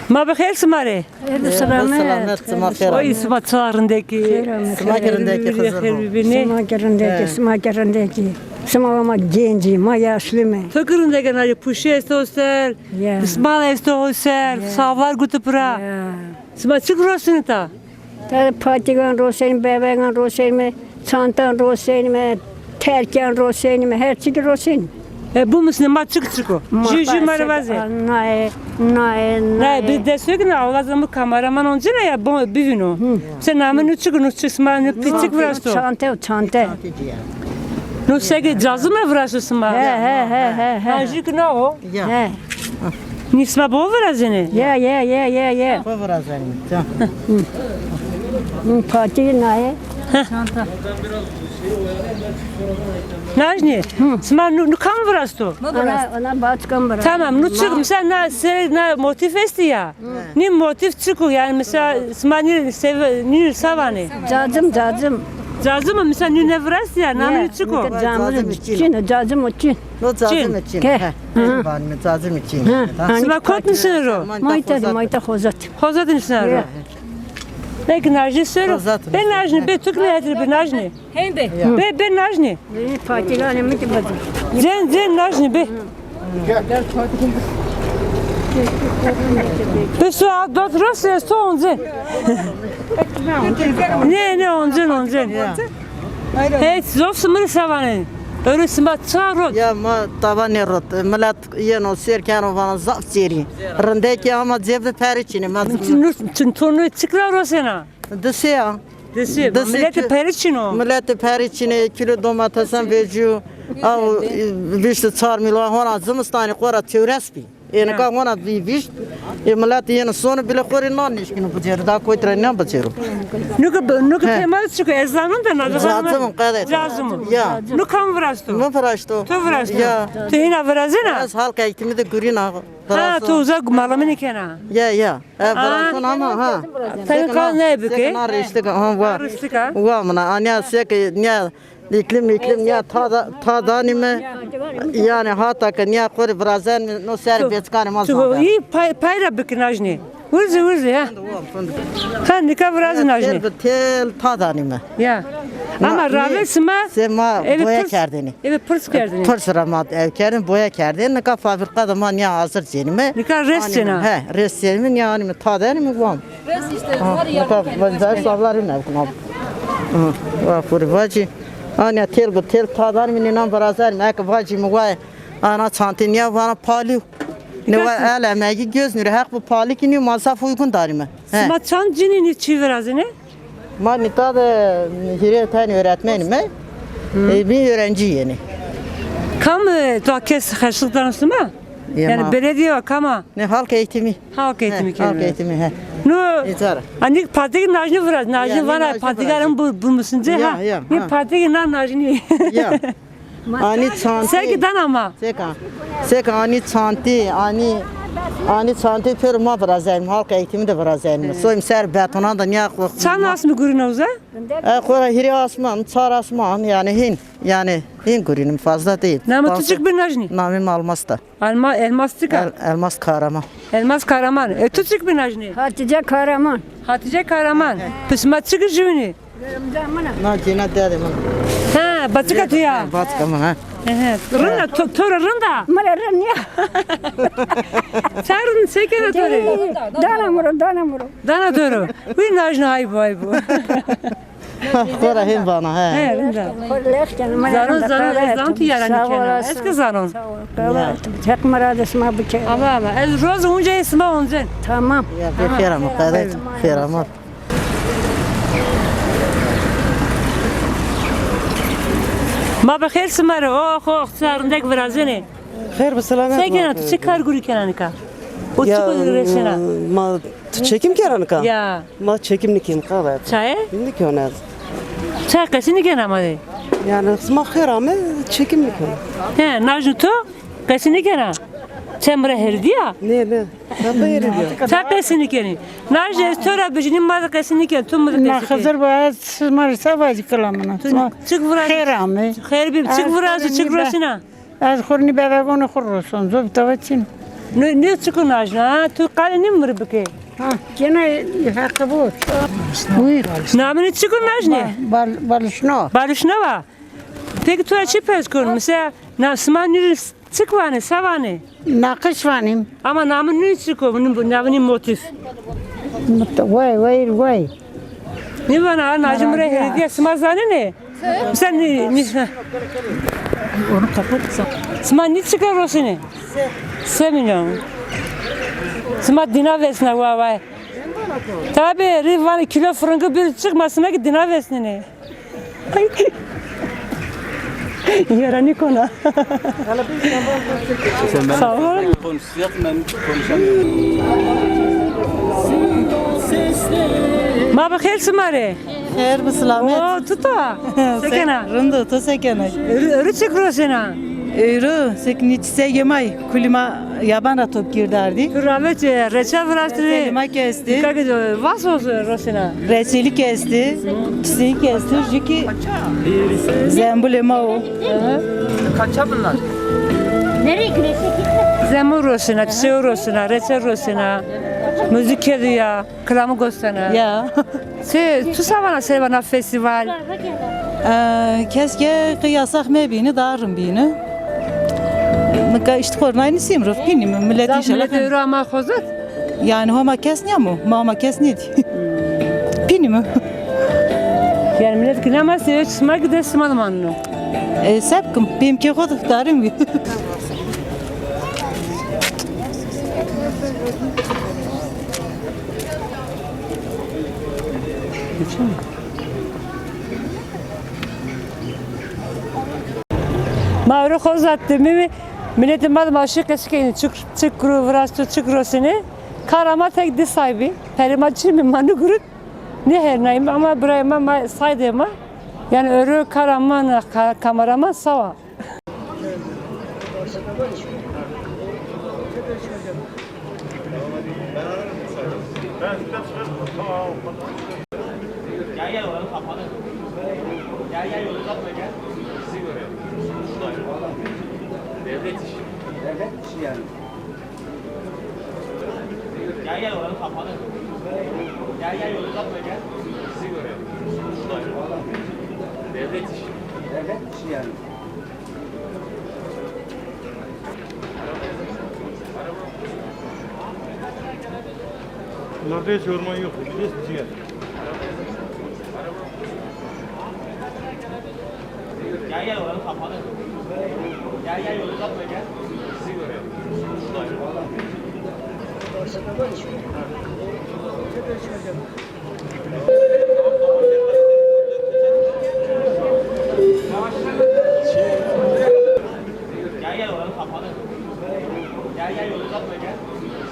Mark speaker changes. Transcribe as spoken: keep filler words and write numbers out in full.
Speaker 1: Ma bakher smare.
Speaker 2: Selamet, selamet.
Speaker 1: O isma çağrındaki.
Speaker 2: Smakerindeki kızım.
Speaker 3: Smakerindeki, smakerindeki. Sma genci, ma yaşlı mı?
Speaker 1: Takırındaki nari puşu estosel.
Speaker 3: Ya.
Speaker 1: İsmail estosel. Savar gutupra. Sma çık rosunu ta.
Speaker 3: Tabi patigan rosen, bebeğin rosen mi? Çantan rosen mi? Terken rosen mi? Her şey rosen.
Speaker 1: E bu musun ma çık çık o. Jiji marvaze.
Speaker 3: Nay, nay,
Speaker 1: Ne bir de söyle na olazım kameraman onca ne ya bu bivino. Sen namı nu çık nu çık sma nu pitik vrasto.
Speaker 3: Çanta, çanta.
Speaker 1: Nu sege cazı mı vrasto sma?
Speaker 3: He, he, he, he, he.
Speaker 1: Ajik ne o?
Speaker 2: Ya.
Speaker 3: He.
Speaker 1: Nisma bu vrazene.
Speaker 3: Ya, ya, ya, ya, ya.
Speaker 2: Bu biraz benim.
Speaker 3: Pati nay.
Speaker 1: Najni. Sma nu nu kam vrasto.
Speaker 3: Ona, ona başkan bırak.
Speaker 1: Tamam, nu çık mesela na se na motif esti ya. Ni motif çıkıyor yani mesela smani sev ni savane.
Speaker 3: Cacım, cacım.
Speaker 1: Cazı mı mesela ni ne vras ya namı çıkıyor.
Speaker 3: Cacım için, cacım için.
Speaker 2: No cazım için.
Speaker 3: Ke.
Speaker 2: He. Benim cazım için.
Speaker 1: Sma kot misin ro?
Speaker 3: Mayta, mayta hozat.
Speaker 1: Hozadın sen ro. Peki najni söyle.
Speaker 2: Hozat.
Speaker 1: Ben najni be tuk ne edir be najni.
Speaker 3: Hende.
Speaker 1: Be be najni.
Speaker 3: Patigan mi tibadı?
Speaker 1: Zen zen najni be. Be su a dot ros so onze. Ne ne onze onze. Hey zof smır savane. Öyle sma çarot.
Speaker 2: Ya ma taban rot. Millet yeno serken o bana zaf ceri. Rındaki ama cebde periçini. Ma
Speaker 1: Çün tonu çıkra rosena.
Speaker 2: dese ya.
Speaker 1: Desi,
Speaker 2: Desi
Speaker 1: millet
Speaker 2: ki-
Speaker 1: periçino.
Speaker 2: Millet periçini kilo domatesin veriyor. Av vişte çar milyon hona zımstani kora teorespi. Yani ka hona bir viş. E millet yeno sonu bile kori non nişkini bıcır. Da koy tren ne bıcır.
Speaker 1: Nuka nuka temal çıkıyor ezanın da nazı.
Speaker 2: Cazım kadet.
Speaker 1: Cazım.
Speaker 2: Ya.
Speaker 1: Nukam vrasto.
Speaker 2: Ne paraşto?
Speaker 1: Tu vrasto.
Speaker 2: Ya.
Speaker 1: Tu hina vrazena.
Speaker 2: Az halka eğitimi de görün ha.
Speaker 1: Ha tu uzak malamını kena.
Speaker 2: Ya ya. E bırakın ama ha.
Speaker 1: Sen kal ne büke?
Speaker 2: Seknar işte ha var.
Speaker 1: Aristika.
Speaker 2: Var mı? Anya sek ne iklim iklim ya ta ta danime yani hatta ki ne kore brazen no ser betkan ma
Speaker 1: Tu iyi payra büke najni. Urzi urzi ya. Ha nika vraz najni.
Speaker 2: tel ta danime.
Speaker 1: Ya. Ama ravesma
Speaker 2: Sema boya kerdini.
Speaker 1: Evet pırs kerdini.
Speaker 2: Pırsıra mat ev kerdin boya kerdin ne ka fabrikada man ya hazır cenime.
Speaker 1: Nika resena.
Speaker 2: He resselmin yani ta danime var.
Speaker 4: Res işte var ya.
Speaker 2: Ka vazar savlarım ne kunab. Va furvaci. Ana tel bu tel ta danime ne barazar mek vaci mu va ana çantin ya bana pali. Ne var ele megi göz nuru hak bu pali ki ne masaf uygun darime. He.
Speaker 1: Sma çan cinini çivirazene.
Speaker 2: Man nita da hireten öğretmenim he. E, bir öğrenci yeni.
Speaker 1: Kam doğa kes karşılıklarını mı?
Speaker 2: Ya
Speaker 1: Yani
Speaker 2: ma-
Speaker 1: belediye var kama.
Speaker 2: Ne halk eğitimi.
Speaker 1: Halk eğitimi
Speaker 2: He, halk
Speaker 1: kelime.
Speaker 2: eğitimi he.
Speaker 1: No.
Speaker 2: İzara.
Speaker 1: Ani patik najni vraz,
Speaker 2: Ya,
Speaker 1: najni
Speaker 2: ne
Speaker 1: var,
Speaker 2: najni
Speaker 1: patikarın bu bu musun
Speaker 2: Ya,
Speaker 1: ha?
Speaker 2: ya,
Speaker 1: Ni
Speaker 2: ha.
Speaker 1: patik na najni.
Speaker 2: Ya. Ani çanti.
Speaker 1: Sergi dan ama.
Speaker 2: Seka. Seka ani çanti ani ani çanti per ma brazayım halk eğitimi de brazayım. Soyum ser betona da niye koy.
Speaker 1: Sen nasıl mı görünüyorsun?
Speaker 2: E kora hiri asman, çar asman yani hin yani hin görünüm fazla değil.
Speaker 1: Nama
Speaker 2: Bazı-
Speaker 1: tuçuk bir najni.
Speaker 2: Namim Almas da.
Speaker 1: Alma elmas tıka.
Speaker 2: El, elmas Kahraman.
Speaker 1: Elmas Kahraman. E tuçuk bir najni.
Speaker 3: Hatice Kahraman.
Speaker 1: Hatice Kahraman. Pısma çıkı jüni.
Speaker 2: Na cina dedim.
Speaker 1: Ha, batıka tuya.
Speaker 2: Batka mı ha?
Speaker 1: Rında, to- tora rında.
Speaker 3: Mara ya.
Speaker 1: Çarın sekere tori.
Speaker 3: Dana muro, dana muro.
Speaker 1: Dana toru. Bir najni hay bu hay bu.
Speaker 2: Kora hin bana he.
Speaker 1: He, rında.
Speaker 3: Korlekten mara.
Speaker 1: Zanon zanon ezan tu yarani kena. Eski zanon.
Speaker 3: Tek mara da sma bıçak.
Speaker 1: Ama ama. El roz unca esma onzen.
Speaker 3: Tamam.
Speaker 2: Ya bir feram kadet feram.
Speaker 1: Ma bakher smara oh oh sarındaki vrazene.
Speaker 5: Hayır bu selamet.
Speaker 1: Sen gene tu çıkar guri kenanika. O çıkıyor resena.
Speaker 5: Ma çekim keranı ka.
Speaker 1: Ya.
Speaker 5: Ma çekim nikim ka da.
Speaker 1: Çay?
Speaker 5: Şimdi ki ona.
Speaker 1: Çay kasini gene ama de.
Speaker 5: Yani ma hayır ama çekim nikim.
Speaker 1: He, najnu to kasini gene. Çemre herdi ya.
Speaker 5: Ne ne? Ben de yeri diyor.
Speaker 1: Çay kasini gene. Najne stora bijinin ma kasini gene. Tum mu
Speaker 6: ما
Speaker 1: kasini.
Speaker 6: خزر باید ماری سوازی کلامنا
Speaker 1: Çık vraz.
Speaker 6: خیرامه
Speaker 1: Khair bir çık vraz çık resena.
Speaker 6: از خورنی بابگون خور رسون زوب توچین
Speaker 1: Ne ne çıkınaj ha? Tu kale ne mır bike?
Speaker 6: Ha, gene hakkı bu. Buyur.
Speaker 1: Namını çıkınaj ne?
Speaker 6: Bal, balışno.
Speaker 1: Barışna var. Peki tu açı pes kun. Mesela na smanir çıkvane savane.
Speaker 6: Nakış vanim.
Speaker 1: Ama namın ne çıkıyor? Bunun namının motif.
Speaker 6: Vay vay vay.
Speaker 1: Ne var ha? Nacım buraya hediye smazane ne? Sen ne? ne-
Speaker 6: Onu kapatsan.
Speaker 1: Sman ne çıkar o seni? Se milyon. Sma dina vesne vay vay. Tabi rivan kilo frangı bir çıkmasına ki dina vesne ne? Yarani kona. Sağ ol.
Speaker 4: Konuşacak ben konuşamıyorum.
Speaker 1: Ma bakher smare.
Speaker 7: Her bu selamet.
Speaker 1: O tuta. Sekena.
Speaker 7: Rındı to sekene.
Speaker 1: Örü çıkıyor sena.
Speaker 7: Euro sekniçse yemay kulima yabana top girderdi.
Speaker 1: Rahmet reçel vrastri.
Speaker 7: Selima kesti.
Speaker 1: Kako vas olsun Rosena.
Speaker 7: Reçeli kesti. Çiçeği kesti. Jiki zembulema o.
Speaker 1: Zemur Rosena, çiçeği Rosena, reçel Rosena. Müzik ediyor, kılamı gösterene.
Speaker 7: Ya.
Speaker 1: Se, tu savana sevana festival.
Speaker 7: Eee, Keşke kıyasak mebini darım bini. Nika işte kornayını simruf bini mi millet
Speaker 1: Zaf
Speaker 7: inşallah.
Speaker 1: millet euro ama kozut.
Speaker 7: Yani homa kes ne mu? Mama kes ne di? Bini mi?
Speaker 1: Yani millet kılama seviyor, çısma gider sımadım anını.
Speaker 7: E, Sepkim benimki kod darım bi.
Speaker 1: Mavru kozattı mimi. Milletin bana başı kesikeni çık çık kuru vrastu çık rosini. Karama tek di sahibi. Perimaçı mi manu gurut. Ne her neyim ama buraya ma saydığıma. Yani örü karaman kameraman sava.
Speaker 4: Devlet işi. Devlet işi yani. Gel gel oranın kapanı. Gel gel yolu uzatma gel. Sizi görüyorum. Devlet işi. Devlet işi yani.
Speaker 8: Bunlarda hiç orman yok. Hiç ciğer.
Speaker 4: Gel gel oranın kapanı. Gel gel yolu uzatma gel. Sizi görüyorum. Gel gel oranın kapanı. Gel gel yolu uzatma gel.